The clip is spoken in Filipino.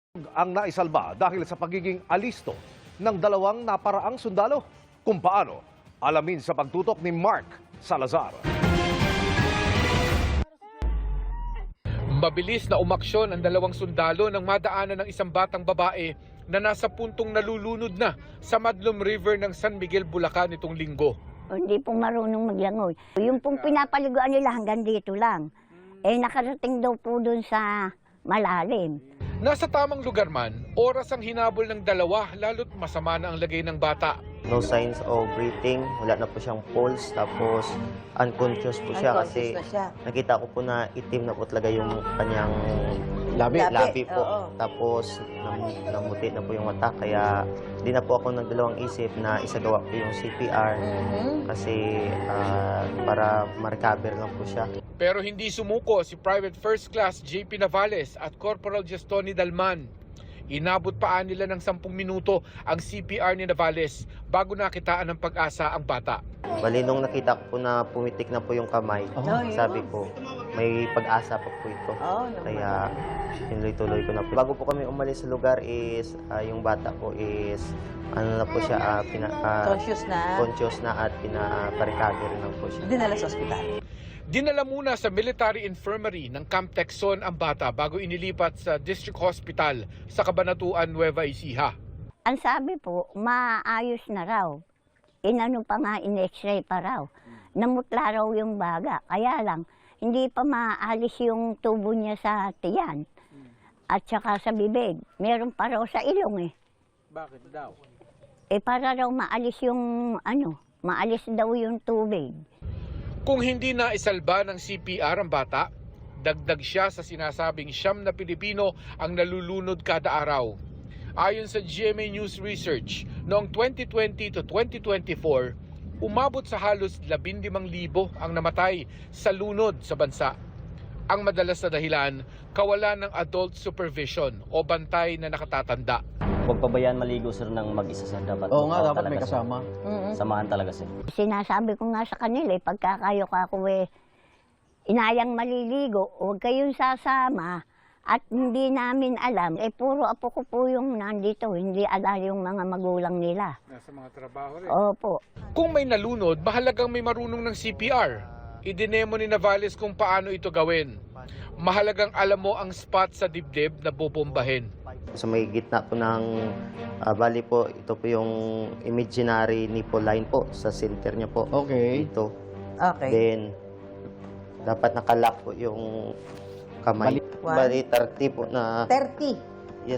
Ang naisalba dahil sa pagiging alisto ng dalawang naparaang sundalo. Kung paano, alamin sa pagtutok ni Mark Salazar. Mabilis na umaksyon ang dalawang sundalo nang madaanan ng isang batang babae na nasa puntong nalulunod na sa Madlum River ng San Miguel, Bulacan nitong linggo. Hindi pong marunong maglangoy. Yung pong pinapaliguan nila hanggang dito lang. Nakarating daw po dun sa malalim. Nasa tamang lugar man, oras ang hinabol ng dalawa lalo't masama na ang lagay ng bata. No signs of breathing, wala na po siyang pulse, tapos unconscious po siya kasi nakita ko po na itim na po talaga yung kanyang labi po. Oo. Tapos namuti na po yung mata, kaya di na po ako nagdalawang isip na isagawa po yung CPR kasi para ma-recover lang po siya. Pero hindi sumuko si Private First Class JP Navales at Corporal Gestoni Dalman. Inabot pa nila ng 10 minuto ang CPR ni Navales bago nakitaan ng pag-asa ang bata. Bali, nung nakita ko po na pumitik na po yung kamay, sabi ko, may pag-asa pa po ito. Kaya tinuloy-tuloy ko na po. Bago po kami umalis sa lugar is, yung bata po is, ano na po siya, conscious na at pina-recover na po siya. Dinala sa ospital. Dinala muna sa military infirmary ng Camp Texon ang bata bago inilipat sa District Hospital sa Cabanatuan, Nueva Ecija. Ang sabi po, maayos na raw. Inano pa nga, in-x-ray pa raw. Namutla raw yung baga. Kaya lang, hindi pa maalis yung tubo niya sa tiyan. At saka sa bibig. Meron pa raw sa ilong eh. Bakit daw? Para raw maalis yung maalis daw yung tubig. Kung hindi na isalba ng CPR ang bata, dagdag siya sa sinasabing 9 na Pilipino ang nalulunod kada araw. Ayon sa GMA News Research, noong 2020 to 2024, umabot sa halos 15,000 ang namatay sa lunod sa bansa. Ang madalas na dahilan, kawalan ng adult supervision o bantay na nakatatanda. Huwag pabayaan maligo sir ng mag-isa sir. Dapat dapat may kasama. Samahan talaga sir. Sinasabi ko nga sa kanila, pagkakayo ka ako inayang maliligo, huwag kayong sasama. At hindi namin alam, puro apo ko po yung nandito, hindi alam yung mga magulang nila. Nasa mga trabaho rin. Opo. Kung may nalunod, mahalagang may marunong ng CPR. Idinemo ni Navales kung paano ito gawin. Mahalagang alam mo ang spot sa dibdib na bubombahin. Sa may gitna po ng bali po, ito po yung imaginary nipple line po sa center niya po. Okay. Ito. Okay. Then, dapat nakalock po yung kamay. Bali 30 po na 30.